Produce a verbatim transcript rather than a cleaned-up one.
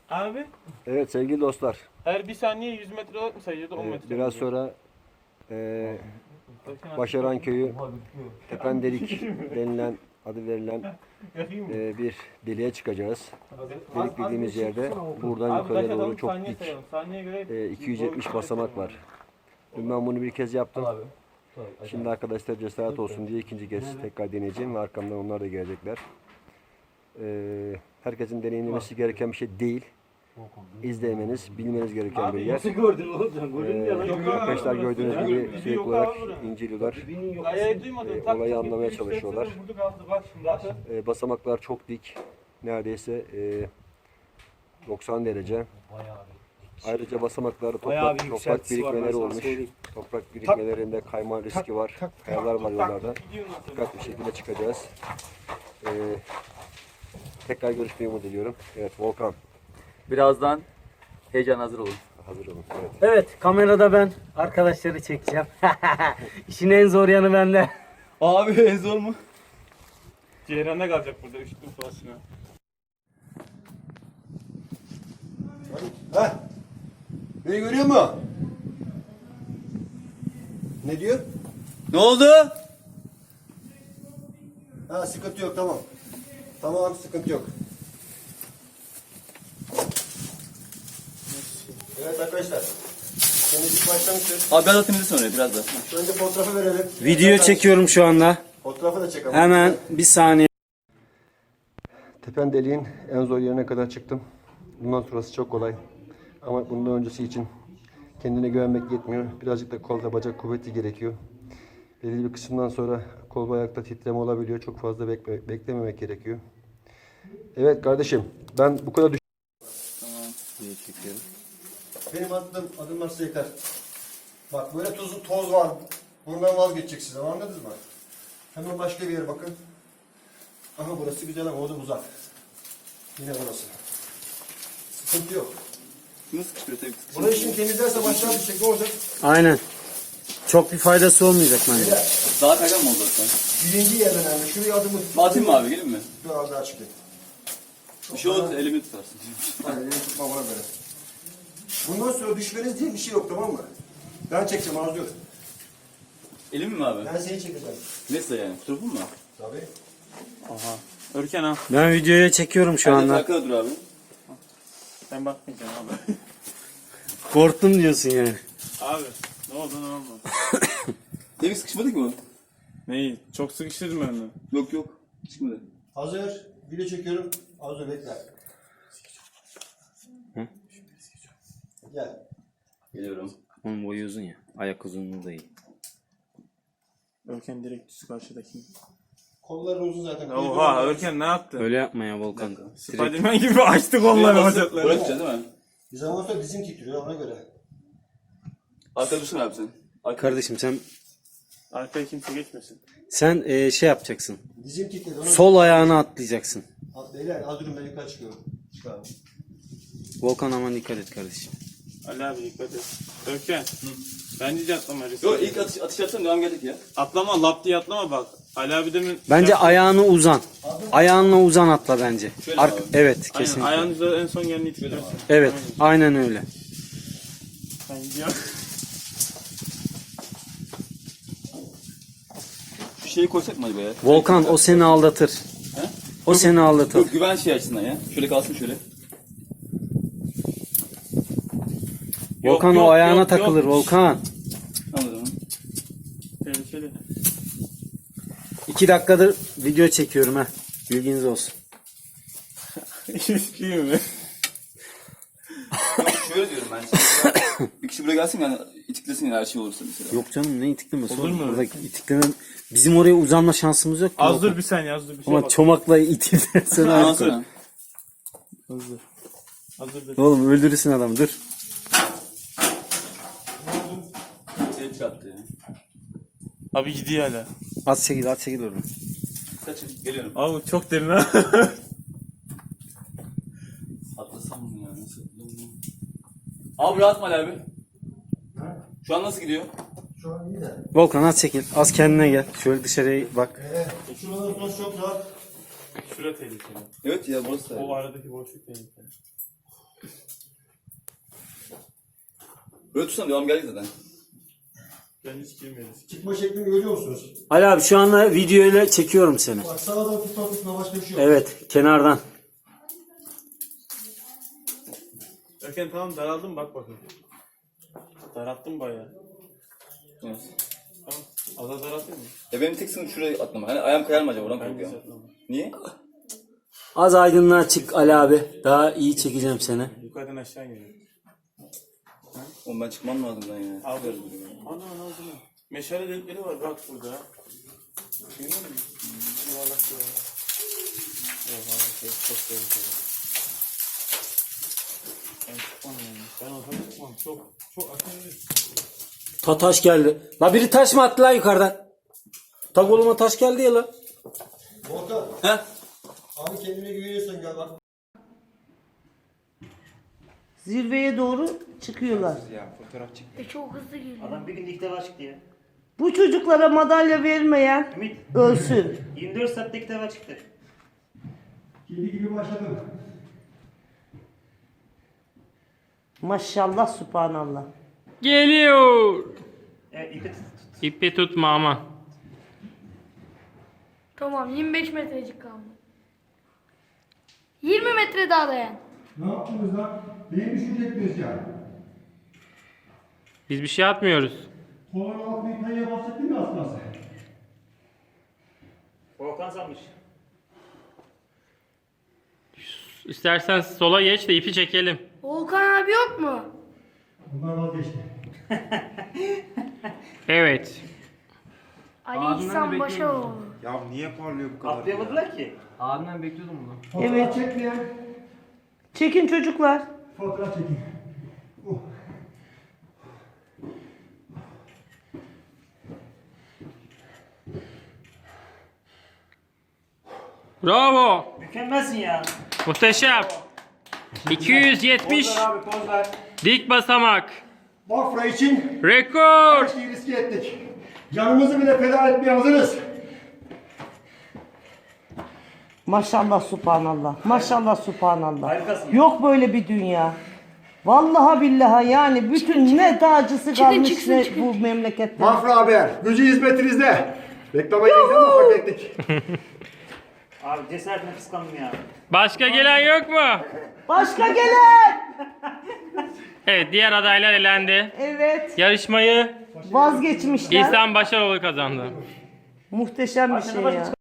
Abi Evet sevgili dostlar. her bir saniye yüz metre olarak mı sayıyordu on e, metre? biraz sonra e, Başaran Köyü Tependelik denilen adı verilen e, bir deliğe çıkacağız. Delik dediğimiz yerde buradan yukarıya doğru çok dik Saniye göre e, iki yüz yetmiş basamak var. Dün ben bunu bir kez yaptım. Şimdi arkadaşlar cesaret olsun diye ikinci kez tekrar deneyeceğim ve arkamdan onlar da gelecekler. E, herkesin deneyimlemesi gereken bir şey değil. İzlemeniz, bilmeniz gereken bir yer. Nasıl gördün oğlum sen? Gördün mü ya? Ee, arkadaşlar gördüğünüz gibi sürekli olarak inceliyorlar. Ayayı duymadın. E, tak, olayı tak, anlamaya iki, üç, dört, çalışıyorlar. sıfır, vurdu kaldı. Bak şimdi bakın. E, basamaklar çok dik. Neredeyse e, doksan derece. Ayrıca basamaklarda toprak, toprak birikmeleri olmuş. Toprak birikmelerinde kayma riski var. Kayalar var yollarda. Dikkatli bir şekilde çıkacağız. E, tekrar görüşmeyi umut ediyorum. Evet Volkan. Birazdan heyecan hazır olun. Hazır olun. Evet. Evet, kamerada ben arkadaşları çekeceğim. İşin en zor yanı bende. Abi en zor mu? Ceyran'da kalacak burada üşüttüm falasına. Heh. Beni görüyor mu? Ne diyor? Ne oldu? Ha sıkıntı yok tamam. Tamam sıkıntı yok. Evet arkadaşlar. Temizlik başlamıştır. Abi biraz da temizle sonra biraz da. Şu önce fotoğrafı verelim. Video çekiyorum şu anda. Fotoğrafı da çekelim. Hemen bir saniye. Tepen deliğin en zor yerine kadar çıktım. Bundan sonrası çok kolay. Ama bundan öncesi için kendine güvenmek yetmiyor. Birazcık da kolda bacak kuvveti gerekiyor. Belirli bir kısımdan sonra kol ve ayakta titreme olabiliyor. Çok fazla bekle, beklememek gerekiyor. Evet kardeşim ben bu kadar düş... Tamam. Diye çekiyorum. Benim attığım adımlar size yeter. Bak böyle tuzlu toz var. Bundan vazgeçeceksiniz ama anladınız mı? Hemen başka bir yere bakın. Aha burası güzel ama o da uzak. Yine burası. Sıkıntı yok. Şunu sıkıştırıyor tabii. Burayı şimdi temizlerse aşağı düşecek ne olacak? Aynen. Çok bir faydası olmayacak bence. Beyler, Daha kaygan mı oldu zaten? birinci yer önemli. Şuraya adımı... Atayım mı abi gelin mi? Biraz daha çıkayım. Bir şey olursa elimi tutarsın. Hayır, elini tutma bana böyle. Bundan sonra düşmeniz diye bir şey yok tamam mı? Ben çekeceğim arzu yok. Elimi mi abi? Ben seni çekeceğim. Nasıl yani? Fotoğrafın mı? Tabii. Aha. Örken ha. Ben videoya çekiyorum şu Hadi anda. arkada dur abi. Ben bakmayacağım abi. Korktum diyorsun yani. Abi ne oldu ne oldu? Demin sıkışmadık mı? Neyi? Çok sıkıştırdım ben onu. Yok yok. Çıkmadı. Hazır. Video çekiyorum. Arzu bekle. Hı? Gel. Geliyorum. Onun boyu uzun ya. Ayak uzunluğu da iyi. Örken direkt düz karşıdaki. Kolları uzun zaten. Oha Örken ne yaptı? Öyle yapma ya Volkan. Direkt Spiderman gibi açtı kolları bacakları. Bırakacağız değil mi? Bir zaman sonra dizim titriyor ona göre. Arkada dursana abi sen. Arkada. kardeşim sen Arkaya kimse geçmesin. sen e, şey yapacaksın. Dizim titredi. Ona Sol ayağını atlayacaksın. At, beyler az durun ben yukarı çıkıyorum. Çık abi. Volkan aman dikkat et kardeşim. Ali abi dikkat et. Örken. Bence de atlama. risk. Yok ilk atış, atış yapsam devam gelecek ya. Atlama lap diye atlama bak. Ali abi demin... Bence ayağını uzan. Ayağınla uzan atla bence. Şöyle Ark- abi. evet Aynen kesin. ayağınızda en son geleni itirersin. Evet aynen öyle. Sen gidiyor. Şu şeyi koysak mı acaba ya? Volkan o seni aldatır. He? O seni aldatır. Yok güven şey açısından ya. Şöyle kalsın şöyle. Volkan Yok, o yok, ayağına yok, takılır yok. Volkan. Anladım. Tehlikeli. İki dakikadır video çekiyorum ha. Bilginiz olsun. İyi mi? Yok şöyle diyorum ben. Şimdi bir kişi buraya gelsin yani itiklesin yani her şey olursa mesela. Yok canım ne itiklemesi Olur oğlum? mu? Burada itikleme... Bizim oraya uzanma şansımız yok ki. Az Volkan. dur bir saniye az dur bir şey Ama bak. çomakla itilirsen Ondan artık. sonra. Hazır. Hazır dur. Oğlum öldürürsün adamı dur. Şey çıkarttı ya. Abi gidiyor hala. Az çekil az çekil oradan. Kaçın geliyorum. Abi çok derin ha. Atlasam mı ya nasıl? Abi rahat mı Ali abi? Şu an nasıl gidiyor? Şu an iyi de. Volkan az çekil. Az kendine gel. Şöyle dışarıya bak. Ee, şuradan sonra çok rahat. Şura tehlikeli. Evet ya burası da. O aradaki boşluk tehlikeli. Böyle tutsam devam geldi zaten. Ben hiç girmedim. Çıkma şeklini görüyor musunuz? Ali abi şu anda video ile çekiyorum seni. Bak sağdan tutma tutma başka bir şey yok. Evet, kenardan. Görkem tamam daraldım bak bakayım. Daralttım bayağı. Evet. Tamam. Az az daraltayım mı? Ya benim tek sınıf şuraya atlama. Hani ayağım kayar mı acaba? Oradan Ben korkuyorum. güzel tamam. Niye? Az aydınlığa çık Ali abi. Daha iyi çekeceğim seni. Yukarıdan aşağı geliyor. Oğlum ben çıkmam lazım lan ya. Al ver bunu. Ana ana oldu mu? Meşale delikleri var bak burada. Görüyor musun? Yuvarlak yuvarlak. Yok abi şey çok tehlikeli. Ben çıkmam yani. Ben olsam çıkmam. Çok çok akıllı. Ta taş geldi. La biri taş mı attı lan yukarıdan? Ta koluma taş geldi ya la. Volkan. He? Abi kendine güveniyorsan gel bak. Zirveye doğru çıkıyorlar. E çok hızlı geliyor. Adam bir günde ilk defa çıktı ya. Bu çocuklara madalya vermeyen Ümit ölsün. yirmi dört saatte ilk defa çıktı. Kedi gibi başladım. Maşallah, subhanallah. Geliyor. Evet ipi tut. İpi tutma ama. Tamam yirmi beş metrecik kaldı. yirmi metre daha dayan. Ne yaptınız lan? Neyi düşünecektiniz ya? Biz bir şey atmıyoruz. Kolon altını kayaya bastık değil mi asması? Volkan sanmış. İstersen sola geç de ipi çekelim. Volkan abi yok mu? Bunlar vazgeçti. Evet. Ali İhsan Başaroğlu. Ya niye parlıyor bu kadar? Atlayamadılar ki. Abimden bekliyordum bunu. Fotoğraf Evet. çekmeyen Çekin çocuklar. fotoğraf çekin. Uh. Bravo. Mükemmelsin ya. Muhteşem. iki yüz yetmiş Poz ver abi poz ver. dik basamak. Bafra için Rekor. her şeyi riske ettik. Canımızı bile feda etmeye hazırız. Maşallah, subhanallah. Maşallah, subhanallah. Harikasın. Yok böyle bir dünya. Vallahi billahi yani bütün ne dağcısı kalmış çıksın, ne çıkın. bu memlekette. Bafra Haber, gücü hizmetinizde. Reklama girdik ama hak ettik. Abi cesaretine kıskandım ya. Başka gelen yok mu? Başka gelen. Evet, diğer adaylar elendi. Evet. Yarışmayı Vazgeçmişler. İhsan Başaroğlu kazandı. Muhteşem bir şey ya.